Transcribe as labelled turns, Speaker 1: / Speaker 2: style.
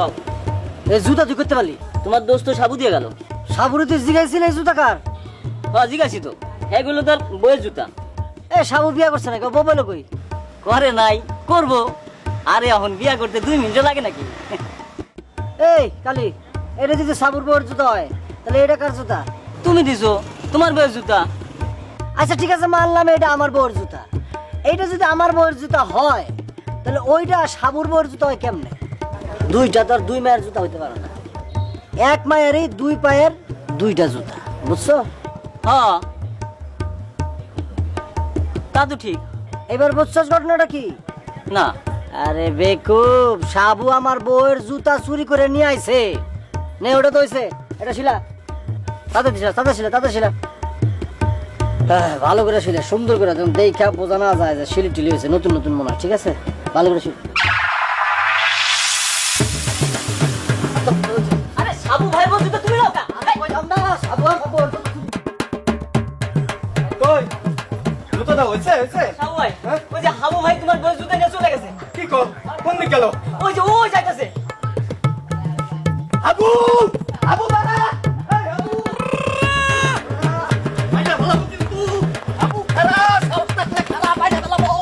Speaker 1: কও
Speaker 2: এই জুতা তুই করতে পারলি?
Speaker 1: তোমার দোস্ত সাবু দিয়ে গেল।
Speaker 2: সাবুরে তুই জিগাইছিলি এই জুতা কার?
Speaker 1: হ্যাঁ জিজ্ঞাসি তো, এগুলো তোর বইয়ের জুতা।
Speaker 2: এ সাবু বিয়া করছে না, বলো কই?
Speaker 1: করে নাই, করবো। আরে এখন বিয়া করতে 2 মিনিট লাগে নাকি?
Speaker 2: এই কালি, এটা যদি সাবুর বউয়ের জুতা হয় তাহলে এটা কার জুতা?
Speaker 1: তুমি দিছো, তোমার বইয়ের জুতা।
Speaker 2: আচ্ছা ঠিক আছে, মানলাম এটা আমার বউয়ের জুতা। এইটা যদি আমার বউয়ের জুতা হয় তাহলে ওইটা সাবুর বউয়ের জুতা হয় কেমনে? দুইটা তো আর 2 মায়ের জুতা হইতে পারে না। এক মায়েরই 2 পায়ের 2টা জুতা, বুঝছো?
Speaker 1: হ্যাঁ তা তো ঠিক।
Speaker 2: এবার বুঝছস ঘটনাটা কি?
Speaker 1: না
Speaker 2: আরে বেকুব, সাবু আমার বউয়ের জুতা চুরি করে নিয়ে আইছে। নে ওটা তো হইছে, এটা শিলা। তাতে শিলা। হ্যাঁ, ভালো করে শিলা, সুন্দর করে তুমি দেখা বোঝা না যায় যে শিলি টিলি হয়েছে, নতুন নতুন মনে হয়। ঠিক আছে, ভালো করে শিল।
Speaker 1: আরে সাবু ভাই বল জুতা তুমি নাও কা?
Speaker 3: কই জুতোটা হয়েছে হয়েছে?
Speaker 1: সাবু ভাই, ওই যে হাবু ভাই তোমার বইয়ের জুতা নিয়ে চলে গেছে।
Speaker 3: কি কর, কোন দিক গেল?
Speaker 1: ওই যে ও যাইতেছে।
Speaker 3: আবু